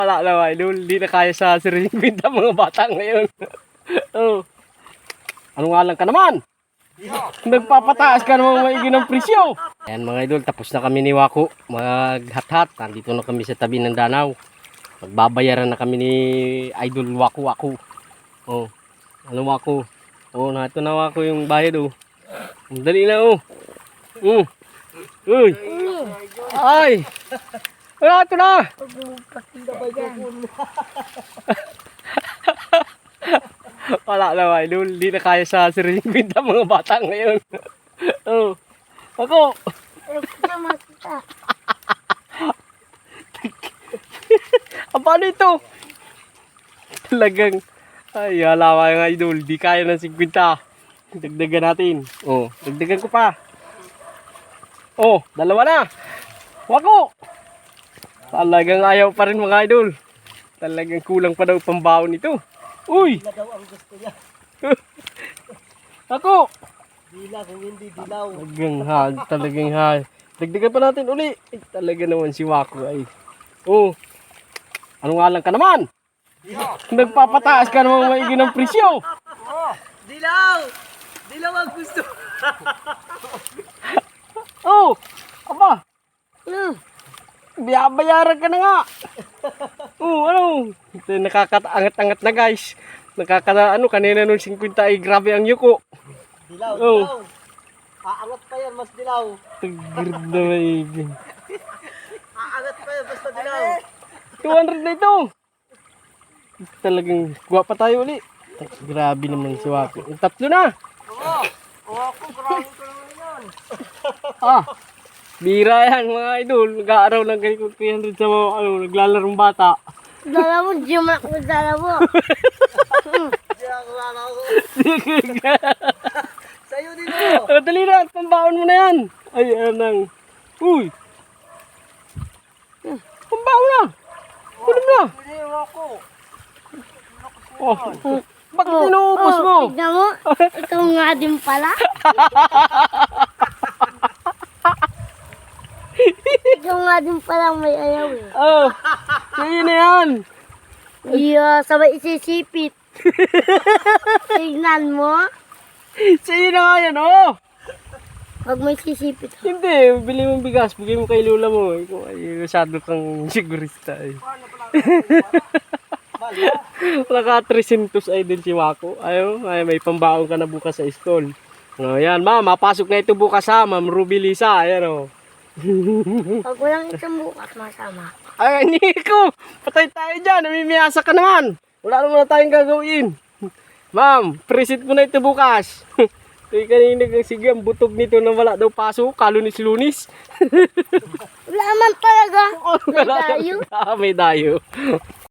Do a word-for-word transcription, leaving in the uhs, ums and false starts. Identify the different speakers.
Speaker 1: Wala na idol, hindi na kaya sa sariling binta mga bata ngayon. Oh. Ano nga lang ka naman? Nagpapataas ka namang maigi ng presyo. Ayan mga idol, tapos na kami ni Wako maghat-hat. Nandito na kami sa tabi ng danaw. Magbabayaran na kami ni Idol Wako Wako. Oh, ano Wako? Oh, nato na Wako yung bayad oh. Dali na oh. Mm. Uy. Ay. Wala ito na. Wala na idol, hindi na kaya sa sariling binta mga bata ngayon. Oh. Ako. Ah, paano ito? Talagang ay hala mga idol, di kaya ng fifty. Dagdagan natin. Oh, dagdagan ko pa. Oh, dalawa na. Wako. Talagang ayaw pa rin mga idol. Talagang kulang pa daw pambaon nito. Uy!
Speaker 2: Dila daw ang gusto niya.
Speaker 1: Ako!
Speaker 2: Dila kung hindi dilaw.
Speaker 1: Talagang ha, talagang ha. Dagdagan pa natin uli. Ay, talaga naman si Wako ay. Oh. Ano nga lang ka naman? Nagpapataas ka namang maigi ng presyo.
Speaker 2: Oh, dilaw! Dilaw ang gusto.
Speaker 1: Oh! Aba! Hmm. Biyabayaran ka na nga. Oh, ano? Ito nakakaangat-angat na guys. Nakaka ano kanina nung fifty ay grabe ang yuko.
Speaker 2: Dilaw,
Speaker 1: Oh.
Speaker 2: dilaw. Aangat pa yan, mas dilaw.
Speaker 1: Tagird na maigi.
Speaker 2: Aangat pa yan, basta dilaw.
Speaker 1: two hundred na ito. Talagang kuha pa tayo uli. Grabe naman si Wako. Ang tatlo na.
Speaker 2: Oo. Oo, ako, grabe ko naman yan.
Speaker 1: Ah. Bira yan mga idol. Nag-aaraw ng ganito three hundred sa mga ano, naglalarong bata.
Speaker 3: Dala mo, di mo ako dala mo.
Speaker 2: Hindi ako lalaw. Sa'yo din mo.
Speaker 1: Oh, dali na, pambaon mo na yan. Ay, anang. Uy. Pambaon na. Kunin mo na.
Speaker 2: Hindi ako.
Speaker 1: Oh. Bakit inuubos mo?
Speaker 3: Oh, tignan mo, ikaw nga din pala. Ikaw nga din pala may ayaw eh.
Speaker 1: Oh. Sa'yo na yan.
Speaker 3: Iya, sabay isisipit. Tignan mo,
Speaker 1: Sa'yo na nga yan, oh.
Speaker 3: pag may sisipit.
Speaker 1: Hindi, bili mong bigas. Bigay mo kay Lula mo. Ikaw ay masyado kang sigurista eh. Naka three hundred ay din si Wako. Ayaw, ay may pambaon ka na bukas sa school. Oh, yan, ma'am, mapasok na ito bukas ha, ma'am Ruby Lisa. Ayan oh.
Speaker 3: Pag walang isang bukas, masama.
Speaker 1: Ay, Nico, patay tayo dyan. Namimiyasa ka naman. Wala naman na tayong gagawin. Ma'am, presit mo na ito bukas. Ay, kanina kang sige, ang butog nito na wala daw pasok. Kalunis-lunis.
Speaker 3: Wala man talaga.
Speaker 1: Oh,
Speaker 3: May dayo.
Speaker 1: Ah, may dayo.